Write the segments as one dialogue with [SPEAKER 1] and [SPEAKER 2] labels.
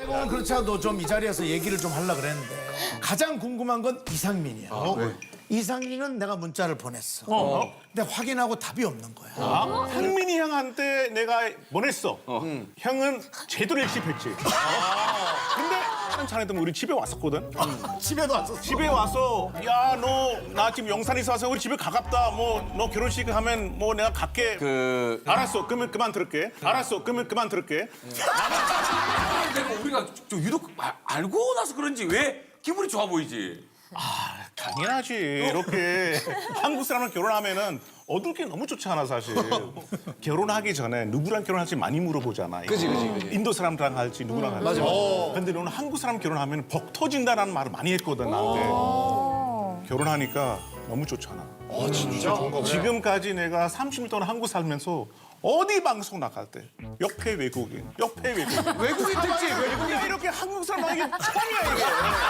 [SPEAKER 1] 오늘 그렇지 않아도 좀 이 자리에서 얘기를 좀 하려고 그랬는데 가장 궁금한 건 이상민이야. 이상민은 내가 문자를 보냈어. 근데 확인하고 답이 없는 거야.
[SPEAKER 2] 상민이 형한테 내가 보냈어. 형은 제대로 일십했지. 근데 다른 차례도 우리 집에 왔었거든.
[SPEAKER 1] 집에도 왔었어.
[SPEAKER 2] 집에 와서 야 너 나 지금 영산에서 와서 우리 집에 가깝다. 뭐 너 결혼식 하면 뭐 내가 갈게. 알았어. 그러면 그만 들을게. 알았어. 그러면 그만 들을게.
[SPEAKER 3] 내가 우리가 좀 유독 알고 나서 그런지 왜 기분이 좋아 보이지?
[SPEAKER 2] 당연하지. 이렇게 한국 사람랑 결혼하면은 얻을 게 너무 좋지 않아 사실. 결혼하기 전에 누구랑 결혼할지 많이 물어보잖아.
[SPEAKER 4] 그지.
[SPEAKER 2] 인도 사람랑 할지 누구랑 할지. 근데 너는 한국 사람 결혼하면 복 터진다라는 말을 많이 했거든 나한테. 결혼하니까 너무 좋잖아.
[SPEAKER 4] 진짜 좋은가 보네.
[SPEAKER 2] 지금까지 내가 30년 동안 한국 살면서 어디 방송 나갈 때 옆에 외국인.
[SPEAKER 4] 외국인 택지, 외국인.
[SPEAKER 2] 이렇게 한국 사람 하기 처음이야 이게.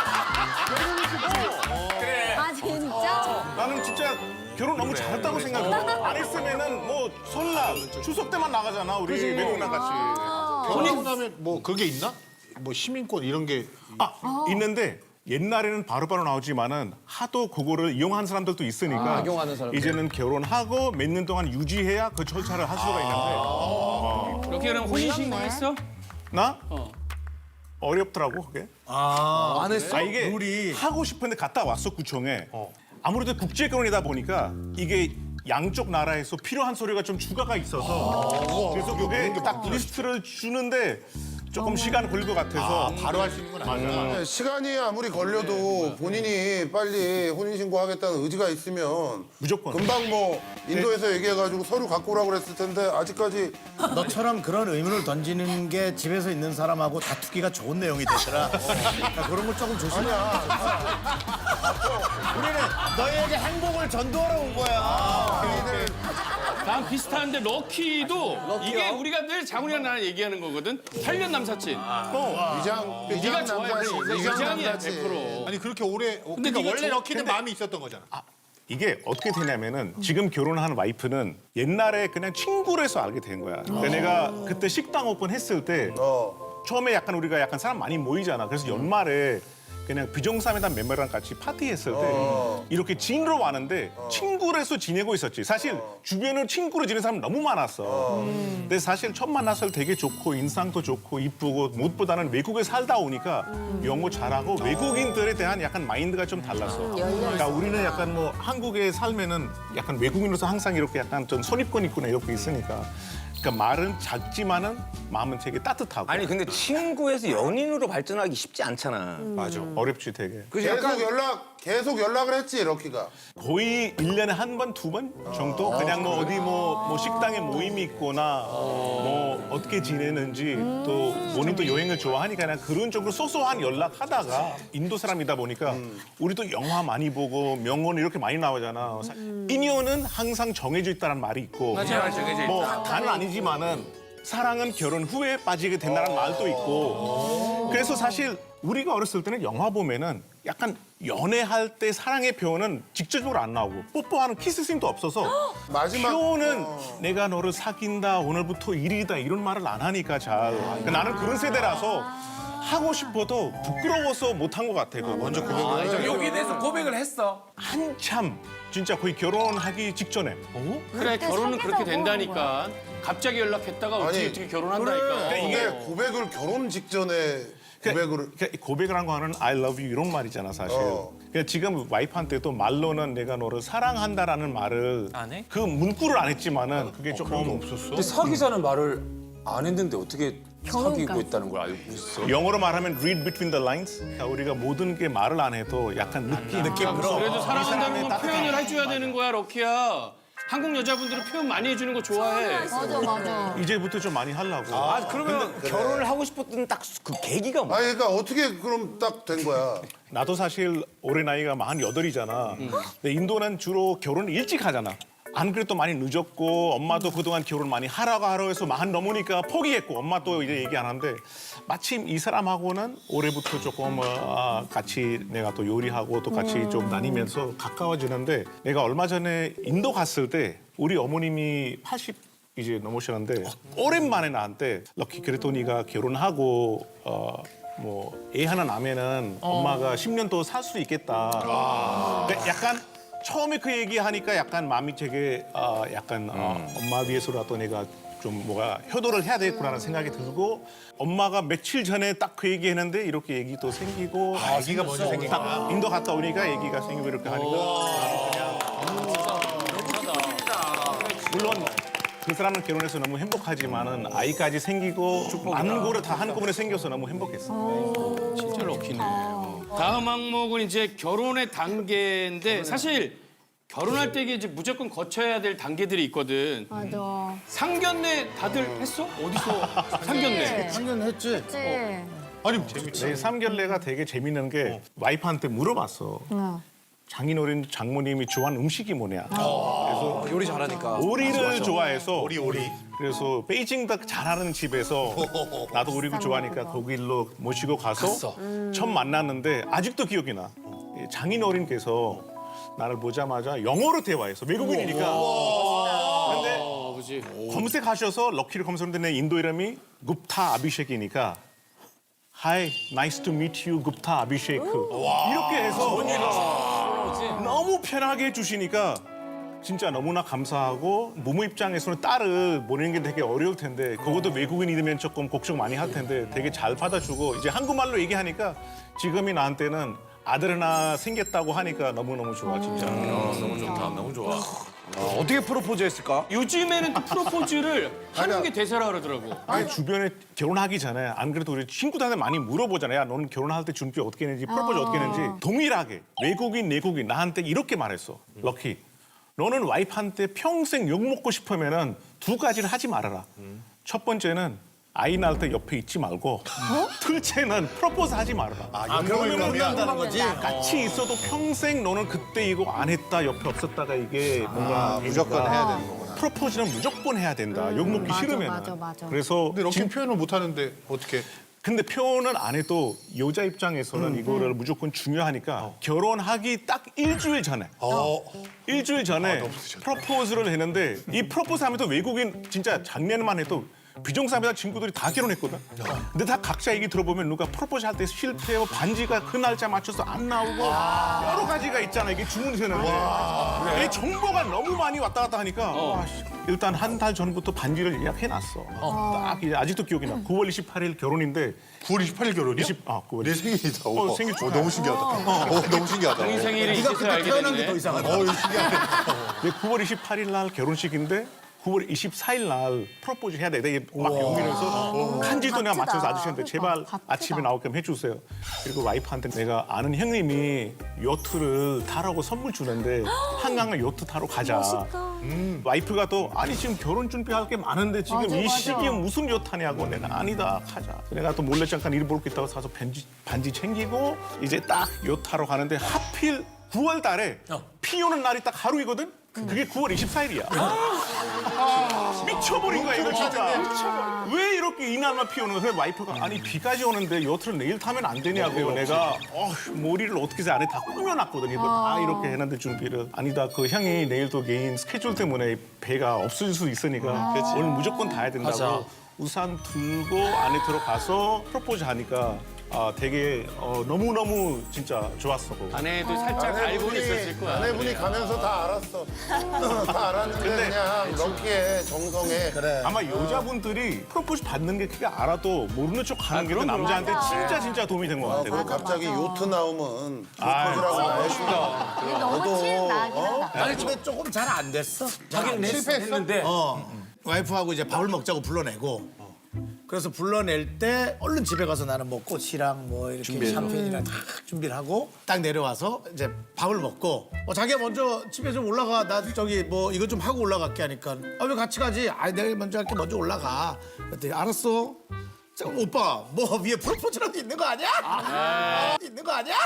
[SPEAKER 5] 아 진짜?
[SPEAKER 2] 나는 진짜 결혼 너무 잘했다고 생각해. 안 했으면은 뭐 설날, 추석 때만 나가잖아 우리 외국 나같이.
[SPEAKER 4] 결혼하고 나면 뭐 그게 있나? 뭐 시민권 이런 게.
[SPEAKER 2] 있는데 옛날에는 바로바로 나오지만은 하도 그거를 이용한 사람들도 있으니까
[SPEAKER 6] 이용하는 사람들.
[SPEAKER 2] 이제는 결혼하고 몇 년 동안 유지해야 그 절차를 할 수가 있는데
[SPEAKER 3] 이렇게 그럼 혼인신고 했어?
[SPEAKER 2] 나 어렵더라고 그게.
[SPEAKER 6] 안 했어?
[SPEAKER 2] 이게
[SPEAKER 1] 룰이.
[SPEAKER 2] 하고 싶은데 갔다 왔어 구청에. 아무래도 국제 결혼이다 보니까 이게 양쪽 나라에서 필요한 서류가 좀 추가가 있어서 그래서 그게 딱 리스트를 주는데 조금 시간 걸릴 것 같아서
[SPEAKER 4] 바로 할 수 있는 건 아니야.
[SPEAKER 7] 네, 시간이 아무리 걸려도 본인이 빨리 혼인신고 하겠다는 의지가 있으면
[SPEAKER 2] 무조건.
[SPEAKER 7] 금방 뭐 인도에서 얘기해가지고 서류 갖고 오라고 그랬을 텐데 아직까지
[SPEAKER 1] 너처럼 그런 의문을 던지는 게 집에서 있는 사람하고 다투기가 좋은 내용이 되더라. 그러니까 그런 걸 조금 조심해. 우리는 너희에게 행복을 전도하러 온 거야.
[SPEAKER 3] 난 비슷한데 럭키도 이게 우리가 늘 장훈이랑 나랑 얘기하는 거거든. 8년 남사친. 네가 좋아해. 위장이야
[SPEAKER 7] 남자지.
[SPEAKER 3] 100%.
[SPEAKER 4] 아니 그렇게 오래.
[SPEAKER 3] 근데
[SPEAKER 4] 그러니까
[SPEAKER 3] 네가
[SPEAKER 4] 원래
[SPEAKER 3] 저-
[SPEAKER 4] 럭키는 마음이 있었던 거잖아.
[SPEAKER 2] 이게 어떻게 되냐면은 지금 결혼한 와이프는 옛날에 그냥 친구로서 알게 된 거야. 그러니까 내가 그때 식당 오픈했을 때 처음에 약간 우리가 약간 사람 많이 모이잖아. 그래서 연말에 그냥 비정상회담 멤버랑 같이 파티했을 때 이렇게 지인으로 왔는데 친구로서 지내고 있었지. 사실 주변으로 친구로 지내는 사람 너무 많았어. 근데 사실 처음 만났을 때 되게 좋고 인상도 좋고 이쁘고 무엇보다는 외국에 살다 오니까 영어 잘하고 외국인들에 대한 약간 마인드가 좀 달랐어. 그러니까 우리는 약간 뭐 한국에 살면은 약간 외국인으로서 항상 이렇게 약간 좀 선입견 있구나 이렇게 있으니까. 그러니까 말은 작지만은 마음은 되게 따뜻하고.
[SPEAKER 6] 아니 근데 친구에서 연인으로 발전하기 쉽지 않잖아.
[SPEAKER 2] 맞아. 어렵지 되게.
[SPEAKER 7] 계속 연락을 했지 럭키가.
[SPEAKER 2] 거의 1년에 한 번, 두 번 정도? 그냥 뭐 어디 뭐 식당에 모임이 있거나 뭐 어떻게 지내는지 또 본인도 여행을 좋아하니까 그냥 그런 쪽으로 소소한 연락하다가 인도 사람이다 보니까 우리도 영화 많이 보고 명언 이렇게 많이 나오잖아. 인연은 항상 정해져 있다는 말이 있고
[SPEAKER 3] 맞아.
[SPEAKER 2] 뭐 다는 아니지만은 사랑은 결혼 후에 빠지게 된다는 말도 있고 그래서 사실 우리가 어렸을 때는 영화 보면은 약간 연애할 때 사랑의 표현은 직접적으로 안 나오고 뽀뽀하는 키스씬도 없어서
[SPEAKER 7] 마지막
[SPEAKER 2] 표현은 내가 너를 사귄다 오늘부터 일이다 이런 말을 안 하니까 잘 그러니까 나는 그런 세대라서 하고 싶어도 부끄러워서 못한 것 같아 그거 먼저
[SPEAKER 3] 여기에 대해서 고백을 했어.
[SPEAKER 2] 한참 진짜 거의 결혼하기 직전에
[SPEAKER 3] 그래 결혼은 그렇게 된다니까. 갑자기 연락했다가 어떻게 결혼한다니까.
[SPEAKER 7] 이게 고백을 결혼 직전에 고백을
[SPEAKER 2] 그러니까 고백을 한 거는 I love you 이런 말이잖아 사실. 그러니까 지금 와이프한테도 말로는 내가 너를 사랑한다라는 말을
[SPEAKER 3] 안 해?
[SPEAKER 2] 그 문구를 안 했지만은 그게 조금 없었어.
[SPEAKER 8] 근데 사귀자는 말을 안 했는데 어떻게 사귀고 있다는 걸 알고 있어?
[SPEAKER 2] 영어로 말하면 read between the lines. 그러니까 우리가 모든 게 말을 안 해도 약간 느낌으로.
[SPEAKER 3] 그래도 사랑한다는 건
[SPEAKER 2] 따뜻한
[SPEAKER 3] 표현을 해줘야 되는 거야 럭키야. 한국 여자분들은 표현 많이 해주는 거 좋아해.
[SPEAKER 5] 맞아.
[SPEAKER 2] 이제부터 좀 많이 하려고.
[SPEAKER 6] 그러면 결혼을 하고 싶었던 딱 그 계기가 뭐야?
[SPEAKER 7] 아니 그러니까 어떻게 그럼 딱 된 거야?
[SPEAKER 2] 나도 사실 올해 나이가 48이잖아. 근데 인도는 주로 결혼을 일찍 하잖아. 안 그래도 많이 늦었고 엄마도 그동안 결혼 많이 하라고 해서 40 넘으니까 포기했고 엄마 또 이제 얘기 안 하는데 마침 이 사람하고는 올해부터 조금 같이 내가 또 요리하고 또 같이 좀 다니면서 가까워지는데 내가 얼마 전에 인도 갔을 때 우리 어머님이 80 이제 넘으셨는데 오랜만에 나한테 럭키 그래도 네가 결혼하고 뭐 애 하나 낳으면은 엄마가 10년 더 살 수 있겠다. 근데 약간 처음에 그 얘기하니까 약간 마음이 되게 약간 엄마 위해서라도 내가 좀 뭐가 효도를 해야 되겠구나라는 생각이 들고 엄마가 며칠 전에 딱 그 얘기했는데 이렇게 얘기도 생기고
[SPEAKER 4] 아기가 먼저 생긴 거야.
[SPEAKER 2] 딱 인도 갔다 오니까 얘기가 생기고 이렇게 하니까 물론 그 사람은 결혼해서 너무 행복하지만은 아이까지 생기고 많은 거를 다 한꺼번에 생겨서 너무 행복했어.
[SPEAKER 3] 진짜 럭키네. 다음 항목은 이제 결혼의 단계인데 사실 결혼할 때 이게 이제 무조건 거쳐야 될 단계들이 있거든.
[SPEAKER 5] 맞아.
[SPEAKER 3] 상견례 다들 했어? 어디서 상견례?
[SPEAKER 1] 상견했지.
[SPEAKER 5] 그치?
[SPEAKER 4] 아니
[SPEAKER 2] 내 삼결례가 되게 재밌는 게 와이프한테 물어봤어. 장인어른 장모님이 좋아하는 음식이 뭐냐. 그래서
[SPEAKER 6] 요리 잘하니까.
[SPEAKER 2] 오리를 좋아해서
[SPEAKER 4] 오리.
[SPEAKER 2] 그래서 베이징 닭 잘하는 집에서 나도 오리를 좋아하니까 거기로 모시고 가서 처음 만났는데 아직도 기억이 나. 장인어른께서 나를 보자마자 영어로 대화했어. 외국인이니까. 근데
[SPEAKER 3] 그지.
[SPEAKER 2] 검색하셔서 럭키를 검색했는데 내 인도 이름이 굽타 아비셰크이니까 Hi, nice to meet you, 굽타 아비셰크. 이렇게 해서 너무 편하게 해주시니까 진짜 너무나 감사하고 부모 입장에서는 딸을 보내는 게 되게 어려울 텐데 그것도 외국인이면 조금 걱정 많이 할 텐데 되게 잘 받아주고 이제 한국말로 얘기하니까 지금이 나한테는 아들 하나 생겼다고 하니까 너무너무 좋아 진짜.
[SPEAKER 6] 너무 좋다. 너무 좋아. 어떻게 프로포즈 했을까?
[SPEAKER 3] 요즘에는 또 프로포즈를 하는 게 대세라 그러더라고.
[SPEAKER 2] 아니 주변에 결혼하기 전에 안 그래도 우리 친구들한테 많이 물어보잖아요. 야, 너는 결혼할 때 준비 어떻게 했는지 프로포즈 어떻게 했는지 동일하게 외국인 내국인 나한테 이렇게 말했어. 럭키 너는 와이프한테 평생 욕 먹고 싶으면은 두 가지를 하지 말아라. 첫 번째는 아이 낳을 때 옆에 있지 말고 둘째는 프로포즈 하지 말아라.
[SPEAKER 1] 그러면 끝난다는 거지.
[SPEAKER 2] 같이 있어도 평생 너는 그때 이거 안 했다 옆에 없었다가 이게 뭔가
[SPEAKER 7] 무조건
[SPEAKER 2] 되니까
[SPEAKER 7] 해야 되는 거구나.
[SPEAKER 2] 프로포즈는 무조건 해야 된다. 욕 먹기
[SPEAKER 5] 맞아,
[SPEAKER 2] 싫으면.
[SPEAKER 5] 맞아.
[SPEAKER 2] 그래서
[SPEAKER 4] 근데 럭키 표현을 못 하는데 어떻게?
[SPEAKER 2] 근데 표현은 안 해도 여자 입장에서는 이거를 무조건 중요하니까 결혼하기 딱 일주일 전에 일주일 전에 프로포즈를 했는데 이 프로포즈 하면서 외국인 진짜 작년만 해도 비정상회사 친구들이 다 결혼했거든. 근데 다 각자 얘기 들어보면 누가 프로포즈 할 때 실패하고 반지가 그 날짜 맞춰서 안 나오고 여러 가지가 있잖아. 이게 주문이 되는데 이 정보가 너무 많이 왔다 갔다 하니까 와, 씨, 일단 한 달 전부터 반지를 예약해놨어. 딱 이제 아직도 기억이 나. 9월 28일 결혼인데
[SPEAKER 4] 9월 28일 결혼이야?
[SPEAKER 2] 9월
[SPEAKER 7] 내 생일이다.
[SPEAKER 2] 생일 축하.
[SPEAKER 7] 너무 신기하다. 너무 신기하다.
[SPEAKER 3] 본인 생일이
[SPEAKER 1] 네가
[SPEAKER 3] 있어서
[SPEAKER 1] 그때
[SPEAKER 3] 알게
[SPEAKER 1] 태어난 게
[SPEAKER 3] 됐네.
[SPEAKER 1] 더 이상하다.
[SPEAKER 7] 이거 신기하네.
[SPEAKER 2] 9월 28일 날 결혼식인데 9월 24일 날 프로포즈 해야 돼. 내가 막 용기내서 간지도 내가
[SPEAKER 5] 바쁘다.
[SPEAKER 2] 맞춰서 아저씨한테 제발
[SPEAKER 5] 바쁘다.
[SPEAKER 2] 아침에 나오게끔 해주세요. 그리고 와이프한테 내가 아는 형님이 요트를 타라고 선물 주는데 한강을 요트 타러 가자. 와이프가 또 아니 지금 결혼 준비할 게 많은데 지금
[SPEAKER 5] 맞아,
[SPEAKER 2] 이
[SPEAKER 5] 맞아.
[SPEAKER 2] 시기에 무슨 요트 타냐고 내가 아니다 가자. 내가 또 몰래 잠깐 일 볼 게 있다고 사서 반지 챙기고 이제 딱 요트 타러 가는데 하필 9월 달에 비 오는 날이 딱 하루이거든? 그게 9월 24일이야. 미쳐버린 거야, 이거 진짜. 왜 이렇게 이날만 비 오는 거야? 그래서 와이프가 아니 비까지 오는데 요트를 내일 타면 안 되냐고. 내가 머리를 어떻게 해서 안에 다 꾸며놨거든. 이거 다 이렇게 해놨는데 준비를. 아니다, 그 형이 내일도 개인 스케줄 때문에 배가 없어질 수 있으니까 오늘 무조건 타야 된다고. 우산 들고 안에 들어가서 프로포즈 하니까 되게 너무너무 진짜 좋았어.
[SPEAKER 3] 아내도 살짝 알고는 있었을 거야.
[SPEAKER 7] 아내분이 가면서 다 알았어. 다 알았는데 그냥 럭키의 정성에.
[SPEAKER 2] 아마 여자분들이 프로포즈 받는 게 그게 알아도 모르는 척 하는 게
[SPEAKER 3] 그럼,
[SPEAKER 2] 남자한테
[SPEAKER 3] 그럼.
[SPEAKER 2] 진짜 도움이 된 것 같아요.
[SPEAKER 7] 그리고 갑자기 요트 나오면 프로포즈라고 나했구나.
[SPEAKER 5] 이게 너무 침 나긴 하다.
[SPEAKER 1] 아니 근데 조금 잘 안 됐어.
[SPEAKER 6] 자기는 했는데
[SPEAKER 1] 와이프하고 이제 밥을 먹자고 불러내고 그래서 불러낼 때 얼른 집에 가서 나는 뭐 꽃이랑 뭐 이렇게 샴페인이랑 다 준비를 하고 딱 내려와서 이제 밥을 먹고 자기가 먼저 집에 좀 올라가 나 저기 뭐 이거 좀 하고 올라갈게 하니까 왜 같이 가지? 아니 내가 먼저 할게 먼저 올라가. 그랬더니 알았어. 자, 오빠 뭐 위에 프로포즈라도 있는 거 아니야? 있는 거 아니야?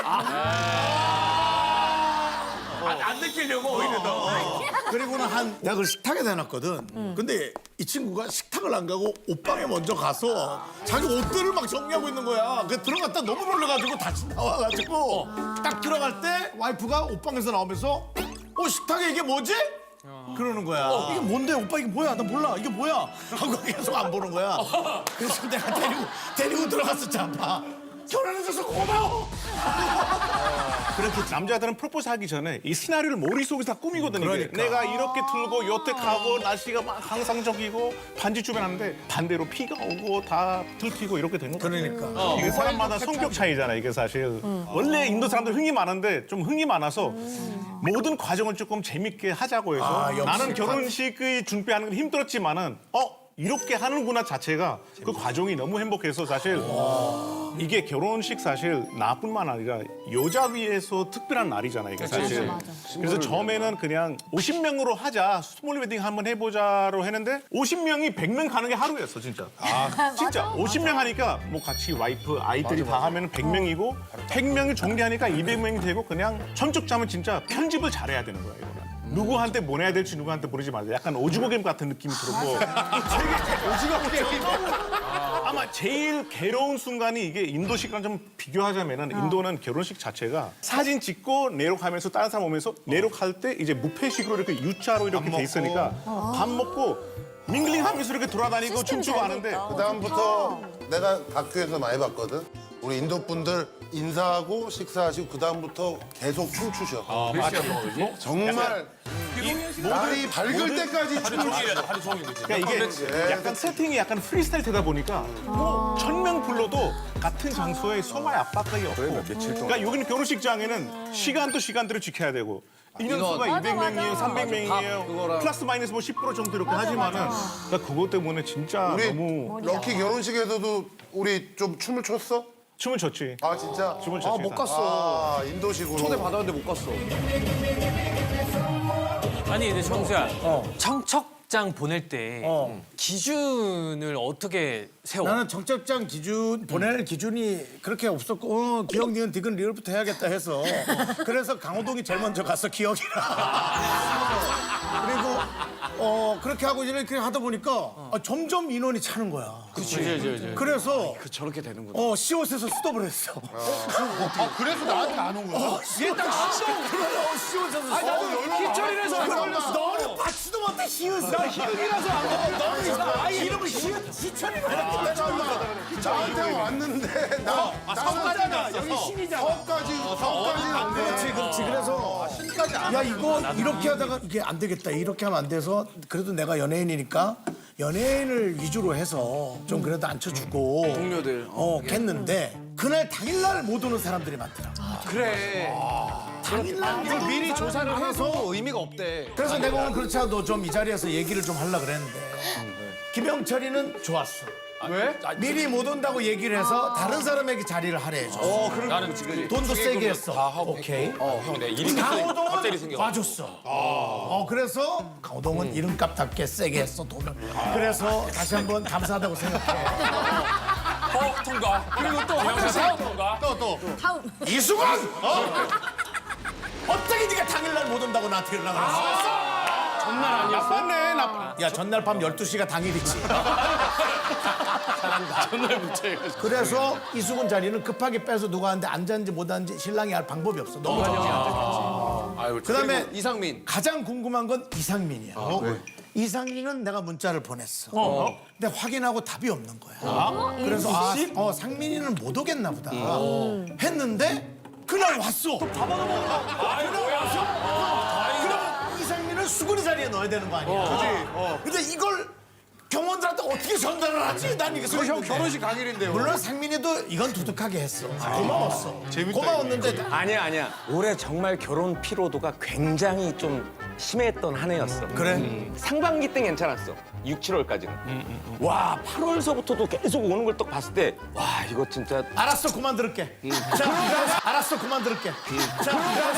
[SPEAKER 6] 안 느끼려고 오히려 더.
[SPEAKER 1] 그리고는 내가 그걸 식탁에 대놨거든. 근데 이 친구가 식탁을 안 가고 옷방에 먼저 가서 자기 옷들을 막 정리하고 있는 거야. 그 들어갔다 너무 놀라가지고 다시 나와가지고 딱 들어갈 때 와이프가 옷방에서 나오면서 식탁에 이게 뭐지? 그러는 거야. 이게 뭔데 오빠 이게 뭐야? 나 몰라. 이게 뭐야? 하고 계속 안 보는 거야. 그래서 내가 데리고 들어갔었잖아. 결혼해줘서 고마워.
[SPEAKER 2] 그렇게 남자들은 프로포즈 하기 전에 이 시나리오를 머릿속에서 다 꾸미거든요. 이게.
[SPEAKER 1] 그러니까.
[SPEAKER 2] 내가 이렇게 들고 여태 가고 날씨가 막 항상적이고 반지 주변 하는데 반대로 비가 오고 다 들키고 이렇게 된 거예요.
[SPEAKER 1] 그러니까.
[SPEAKER 2] 이게 사람마다 성격 차이잖아 이게 사실. 원래 인도 사람들 흥이 많은데 좀 흥이 많아서 모든 과정을 조금 재밌게 하자고 해서
[SPEAKER 1] 아, 역시.
[SPEAKER 2] 나는 결혼식을 준비하는 건 힘들었지만은 이렇게 하는구나 자체가 그 과정이 너무 행복해서 사실 이게 결혼식 사실 나뿐만 아니라 여자 위해서 특별한 날이잖아요 이게 사실. 그래서 처음에는 그냥 50명으로 하자 스몰 웨딩 한번 해보자로 했는데 50명이 100명 가는 게 하루였어 진짜. 진짜 50명 하니까 뭐 같이 와이프 아이들이 다 하면 100명이고 100명이 정리하니까 200명이 되고 그냥 천적 짜면 진짜 편집을 잘해야 되는 거야 이거는. 누구한테 보내야 될지 누구한테 보내지 말자. 약간 오징어 게임 같은 느낌이 들었고 되게 오징어 게임. 아마 제일 괴로운 순간이 이게 인도식이랑 좀 비교하자면은 인도는 결혼식 자체가 사진 찍고 내록하면서 다른 사람 오면서 내록할 때 이제 무패식으로 이렇게 U자로 이렇게 돼 있으니까 밥 먹고 밍글링하면서 이렇게 돌아다니고 춤추고 하는데
[SPEAKER 7] 그다음부터 내가 다큐에서 많이 봤거든. 우리 인도 분들 인사하고 식사하시고 그다음부터 계속 춤추셔. 정말 날이 밝을 때까지 춤추셔.
[SPEAKER 2] 그러니까 이게 약간 세팅이 약간 프리스타일 되다 보니까 뭐 1000명 불러도 같은 장소에 소마의 압박감이 없고 그러니까 여기는 결혼식장에는 시간도 시간대로 지켜야 되고 인원수가 200명이에요, 300명이에요. 플러스 마이너스 뭐 10% 정도 이렇게 하지만은 그러니까 그것 때문에 진짜
[SPEAKER 7] 우리
[SPEAKER 2] 너무
[SPEAKER 7] 럭키 결혼식에서도 우리 좀 춤을 췄어?
[SPEAKER 2] 춤을 췄지.
[SPEAKER 7] 아 진짜?
[SPEAKER 2] 춤을 췄지.
[SPEAKER 8] 못 갔어.
[SPEAKER 7] 아 인도식으로.
[SPEAKER 8] 초대받았는데 못 갔어.
[SPEAKER 9] 아니 근데 청수야 청첩장 보낼 때 기준을 어떻게 세워?
[SPEAKER 1] 나는 청첩장 기준 보낼 기준이 그렇게 없었고 기억 니은 디귿 리을부터 해야겠다 해서 그래서 강호동이 제일 먼저 갔어 기억이라. 그리고 그렇게 하고 이렇게 하다 보니까 점점 인원이 차는 거야. 그래서
[SPEAKER 8] 저렇게 되는구나.
[SPEAKER 1] 시옷에서 스톱을 했어.
[SPEAKER 4] 그래서 나한테 안 온 거야?
[SPEAKER 1] 얘딱 시옷에서. 아니 나도 희철이라서 너는 받지도 못해 시옷을. 나 희극이라서 안 돼. 너는 아예 이름을 희철이라 해라.
[SPEAKER 7] 나한테 왔는데
[SPEAKER 1] 성가잖아. 여기 신이잖아.
[SPEAKER 7] 서까지는 안 돼.
[SPEAKER 1] 그렇지. 그래서 야 이거 이렇게 하다가 이게 안 되겠다. 이렇게 하면 안 돼서 그래도 내가 연예인이니까 연예인을 위주로 해서 좀 그래도 앉혀주고
[SPEAKER 8] 동료들.
[SPEAKER 1] 했는데 그날 당일날 못 오는 사람들이 많더라.
[SPEAKER 8] 그래.
[SPEAKER 1] 당일날 못 오는
[SPEAKER 8] 미리 조사를
[SPEAKER 1] 사람들이
[SPEAKER 8] 해서
[SPEAKER 1] 많아서
[SPEAKER 8] 의미가 없대.
[SPEAKER 1] 그래서 내가 오늘 그렇지 않아도 좀 이 자리에서 얘기를 좀 하려고 그랬는데 김영철이는 좋았어.
[SPEAKER 8] 왜?
[SPEAKER 1] 미리 못 온다고 얘기를 해서 다른 사람에게 자리를 할애해줘.
[SPEAKER 8] 나는 지금
[SPEAKER 1] 돈도 세게 했어. 오케이.
[SPEAKER 8] 형, 내 이름
[SPEAKER 1] 강호동은 와줬어. 그래서 강호동은 이름값답게 세게 했어 돈을. 그래서 다시 한번 감사하다고 생각해.
[SPEAKER 9] 통과. 그리고 또 하면서 통과.
[SPEAKER 5] 다음.
[SPEAKER 1] 이수건! 어떻게 네가 당일날 못 온다고 나한테 연락을 했어?
[SPEAKER 3] 전날 아니었어?
[SPEAKER 2] 맞네 나.
[SPEAKER 1] 야 전날 밤 12시가 당일이지.
[SPEAKER 3] 전날부터 해가지고.
[SPEAKER 1] 그래서 이수근 자리는 급하게 빼서 누가 하는데 앉았는지 못 앉았는지 신랑이 알 방법이 없어. 너무 좋아. 그다음에
[SPEAKER 8] 이상민.
[SPEAKER 1] 가장 궁금한 건 이상민이야. 이상민은 내가 문자를 보냈어. 근데 확인하고 답이 없는 거야. 그래서 상민이는 못 오겠나 보다. 했는데 그날 왔어. 그날 왔어. 그럼 이상민을 수근이 자리에 넣어야 되는 거 아니야. 근데 이걸 경원들한테 어떻게 전달을 하지? 난 이게
[SPEAKER 4] 형 결혼식 당일인데요.
[SPEAKER 1] 물론 상민이도 이건 두둑하게 했어. 고마웠어. 고마웠는데
[SPEAKER 6] 아니야. 올해 정말 결혼 피로도가 굉장히 좀 심했던 한 해였어.
[SPEAKER 1] 그래?
[SPEAKER 6] 상반기 때 괜찮았어. 6, 7월까지는. 와, 8월서부터도 계속 오는 걸 딱 봤을 때, 와, 이거 진짜.
[SPEAKER 1] 알았어, 그만 들을게. 자, 알았어, 그만 들을게. 자,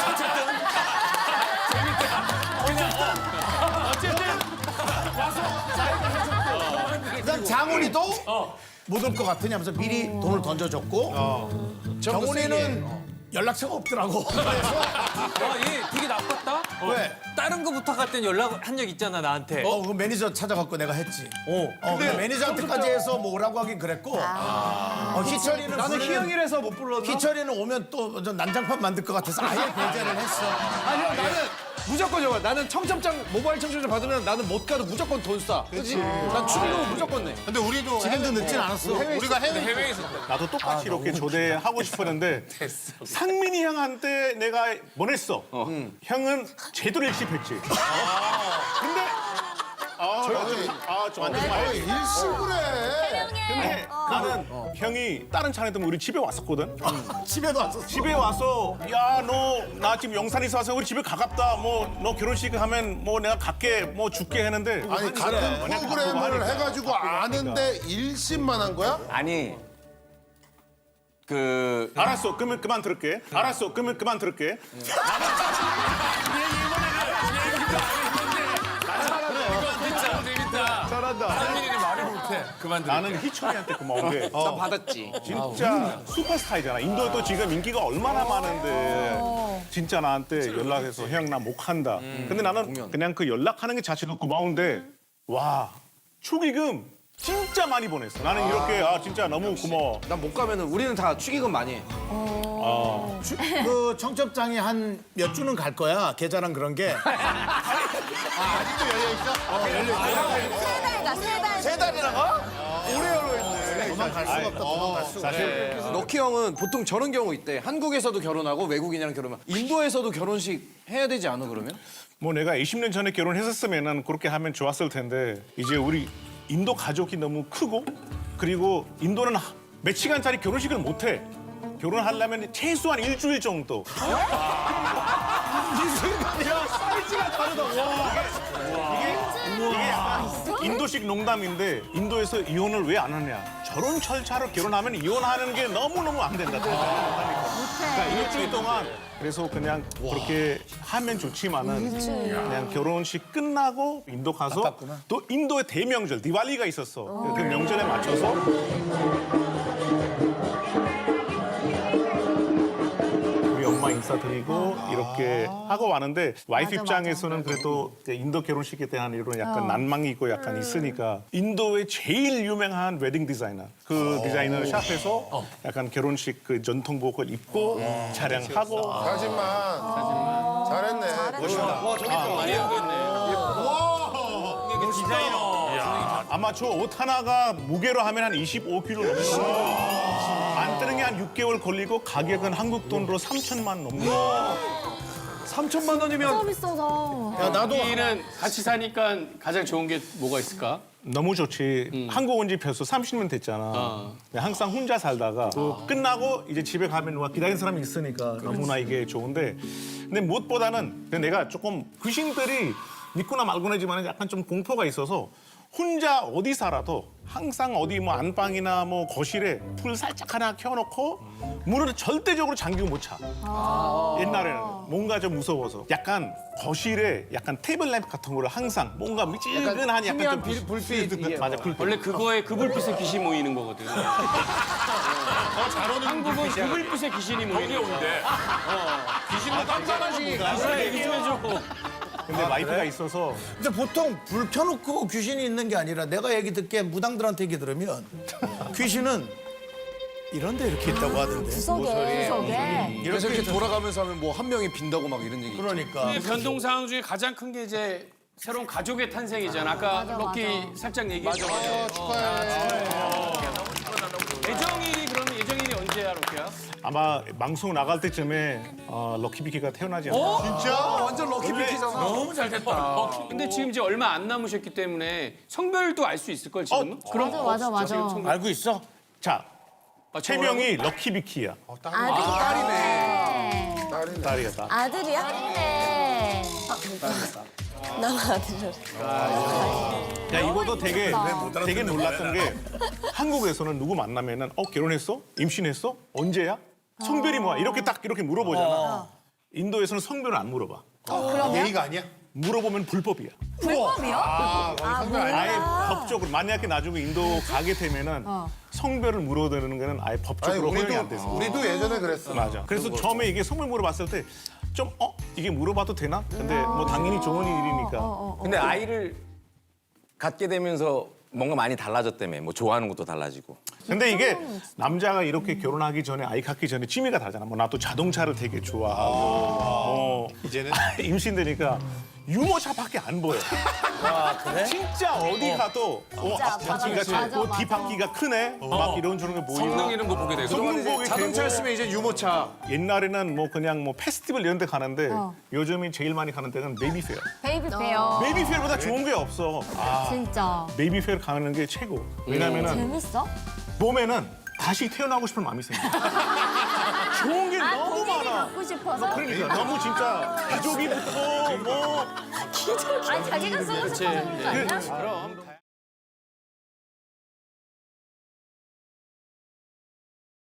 [SPEAKER 1] 어쨌든 와서 자기가 해줬고. 그다음 장훈이도 못 올 것 같으냐 하면서 미리 돈을 던져줬고 정훈이는 연락처가 없더라고.
[SPEAKER 9] 얘 되게 나빴다.
[SPEAKER 1] 왜?
[SPEAKER 9] 다른 거 부탁할 땐 연락 한 적 있잖아 나한테.
[SPEAKER 1] 그 매니저 찾아갖고 내가 했지. 근데 매니저한테까지 해서 뭐 오라고 하긴 그랬고. 희철이는 나는 희영이라서 못 불렀나? 희철이는 오면 또 난장판 만들 것 같아서 아예 배제를 했어.
[SPEAKER 4] 아니요 나는
[SPEAKER 10] 무조건 저거. 나는 청첩장 모바일 청첩장 받으면 나는 못 가도 무조건 돈 쏴. 그렇지? 난 축의금 무조건 내.
[SPEAKER 4] 근데 우리도
[SPEAKER 1] 지금도 늦진 않았어.
[SPEAKER 4] 우리가 해외
[SPEAKER 2] 나도 똑같이 이렇게 조대하고 싶었는데 상민이 형한테 내가 보냈어. 형은 제대로 일십했지. 근데 저한테 말
[SPEAKER 7] 일식을 해.
[SPEAKER 2] 근데 나는 형이 다른 차례도 우리 집에 왔었거든.
[SPEAKER 1] 집에도 왔었어.
[SPEAKER 2] 집에 와서 야 너 나 지금 영산에서 와서 우리 집에 가깝다. 뭐 너 결혼식 하면 뭐 내가 갈게 뭐 줄게 했는데
[SPEAKER 7] 아니 같은 프로그램을 해가지고 아는데 일심만 한 거야?
[SPEAKER 6] 아니
[SPEAKER 2] 알았어. 그러면 그만 들을게. 알았어. 그러면 그만 들을게. 나는 희철이한테 고마운 게
[SPEAKER 10] 난 받았지.
[SPEAKER 2] 진짜 슈퍼스타이잖아. 인도에도 지금 인기가 얼마나 많은데 진짜 나한테 연락해서 형 나 못 간다. 근데 나는 그냥 그 연락하는 게 자체도 고마운데 와 축의금 진짜 많이 보냈어. 나는 이렇게 진짜 너무 고마워.
[SPEAKER 10] 난 못 가면은 우리는 다 축의금 많이 해.
[SPEAKER 1] 그 청첩장이 한 몇 주는 갈 거야. 계좌랑 그런 게.
[SPEAKER 7] 아직도 열려 있어?
[SPEAKER 5] 세 달이나 가?
[SPEAKER 1] 도망갈 수가 없다. 도망갈 수가 없다.
[SPEAKER 10] 럭키 형은 보통 저런 경우 있대. 한국에서도 결혼하고 외국인이랑 결혼하면 인도에서도 결혼식 해야 되지 않아 그러면?
[SPEAKER 2] 뭐 내가 20년 전에 결혼했었으면 그렇게 하면 좋았을 텐데 이제 우리 인도 가족이 너무 크고 그리고 인도는 몇 시간짜리 결혼식을 못 해. 결혼하려면 최소한 일주일 정도. 야, 사이즈가 다르다. 이게 약간 인도식 농담인데 인도에서 이혼을 왜 안 하냐. 저런 절차로 결혼하면 이혼하는 게 너무너무 안 된다. 그러니까 일주일 동안 그래서 그냥 그렇게 하면 좋지만은 그냥 결혼식 끝나고 인도 가서 또 인도의 대명절 디왈리가 있었어. 그 명절에 맞춰서 우리 엄마 인사드리고 이렇게 하고 왔는데 와이프 입장에서는 그래도 인도 결혼식에 대한 이런 약간 난망이 있고 약간 있으니까 인도의 제일 유명한 웨딩 디자이너 그 디자이너 샵에서 약간 결혼식 그 전통복을 입고 촬영하고
[SPEAKER 7] 사진만. 잘했네. 멋있다.
[SPEAKER 10] 와 저기 또 많이 하고 있네.
[SPEAKER 2] 아마 저 옷 하나가 무게로 하면 한 25kg 넘는 안 뜨는 게 한 6개월 걸리고 가격은 한국 돈으로 3천만 넘는
[SPEAKER 10] 3천만 원이면
[SPEAKER 5] 너무 비싸다.
[SPEAKER 1] 야, 나도
[SPEAKER 3] 여기는 같이 사니까 가장 좋은 게 뭐가 있을까?
[SPEAKER 2] 너무 좋지. 한국 온 지 벌써 30년 됐잖아. 항상 혼자 살다가 끝나고 이제 집에 가면 누가 기다리는 사람이 있으니까 너무나 이게 좋은데 근데 무엇보다는 내가 조금 귀신들이 믿거나 말거나지만 약간 좀 공포가 있어서 혼자 어디 살아도 항상 어디 뭐 안방이나 뭐 거실에 불 살짝 하나 켜놓고 문을 절대적으로 잠기고 못 차. 옛날에는 뭔가 좀 무서워서 약간 거실에 약간 테이블 램프 같은 거를 항상 뭔가 미지근한 약간 좀
[SPEAKER 10] 불빛
[SPEAKER 2] 맞아 불빛.
[SPEAKER 3] 원래 그거에 그 불빛에 귀신 모이는 거거든. 한국은 그 불빛에 귀신이 모이는 거야.
[SPEAKER 10] 귀신도 깜깜하지.
[SPEAKER 3] 그래, 얘기 좀 해줘.
[SPEAKER 2] 근데 와이프가 있어서
[SPEAKER 1] 근데 보통 불 켜놓고 귀신이 있는 게 아니라 내가 얘기 듣기에 무당들한테 얘기 들으면 귀신은 이런 데 이렇게 있다고 하던데.
[SPEAKER 5] 구석에.
[SPEAKER 10] 그래서 이렇게 돌아가면서 하면 뭐 한 명이 빈다고 막 이런 얘기.
[SPEAKER 1] 그러니까.
[SPEAKER 3] 변동 상황 중에 가장 큰 게 이제 새로운 가족의 탄생이잖아. 아까 럭키 살짝 얘기했잖아. 예정일이 그러면 예정일이 언제야, 럭키야?
[SPEAKER 2] 아마 방송 나갈 때쯤에 럭키비키가 태어나지 않을까.
[SPEAKER 7] 진짜?
[SPEAKER 10] 완전 럭키 비키잖아.
[SPEAKER 3] 너무 잘 됐다. 근데 지금 이제 얼마 안 남으셨기 때문에 성별도 알 수 있을 걸 지금. 그럼
[SPEAKER 5] 맞아.
[SPEAKER 1] 알고 있어?
[SPEAKER 2] 자, 최명이 럭키비키야.
[SPEAKER 5] 아들이네.
[SPEAKER 2] 딸이야, 딸.
[SPEAKER 5] 아들이야? 아들이네. 난 아들이래.
[SPEAKER 2] 야, 이것도 되게 놀랐던 게 한국에서는 누구 만나면은 결혼했어? 임신했어? 언제야? 성별이 뭐야? 이렇게 딱 이렇게 물어보잖아. 인도에서는 성별을 안 물어봐.
[SPEAKER 7] 예의가 아니야?
[SPEAKER 2] 물어보면 불법이야.
[SPEAKER 5] 불법이요?
[SPEAKER 2] 아예 법적으로 만약에 나중에 인도 가게 되면은 성별을 물어대는 거는 아예
[SPEAKER 7] 아니
[SPEAKER 2] 법적으로 허용이 안 돼서.
[SPEAKER 7] 우리도 예전에 그랬어.
[SPEAKER 2] 맞아. 그래서 처음에 이게 성별 물어봤을 때 좀 이게 물어봐도 되나? 근데 뭐 당연히 좋은 일이니까.
[SPEAKER 6] 근데 아이를 갖게 되면서 뭔가 많이 달라졌다며. 뭐 좋아하는 것도 달라지고.
[SPEAKER 2] 근데 이게 남자가 이렇게 결혼하기 전에 아이 갖기 전에 취미가 다르잖아. 뭐 나도 자동차를 되게 좋아하고
[SPEAKER 4] 이제는
[SPEAKER 2] 임신되니까 유모차밖에 안 보여.
[SPEAKER 1] 그래?
[SPEAKER 2] 진짜 어디 가도 바퀴가
[SPEAKER 5] 맞아,
[SPEAKER 2] 작고
[SPEAKER 5] 맞아.
[SPEAKER 2] 뒷바퀴가 크네. 막 이런 저런 게 보이고.
[SPEAKER 9] 성능 이런 거 보게 되고.
[SPEAKER 2] 성능 보게 되고.
[SPEAKER 10] 자동차였으면 이제 유모차.
[SPEAKER 2] 옛날에는 뭐 그냥 뭐 페스티벌 이런 데 가는데 요즘이 제일 많이 가는 데는 베이비 페어.
[SPEAKER 5] 베이비 페어.
[SPEAKER 2] 베이비 페어보다 좋은 게 없어.
[SPEAKER 5] 진짜.
[SPEAKER 2] 베이비 페어 가는 게 최고. 왜냐면은
[SPEAKER 5] 재밌어?
[SPEAKER 2] 보면은 다시 태어나고 싶은 마음이 생겨. 좋은 게 너무
[SPEAKER 5] 본인이
[SPEAKER 2] 많아.
[SPEAKER 5] 갖고 싶어서?
[SPEAKER 2] 그러니까 너무 진짜 기저귀부터 뭐
[SPEAKER 5] 아니 자기가 쓰고 싶어서 그런 거 아니야?
[SPEAKER 2] 그럼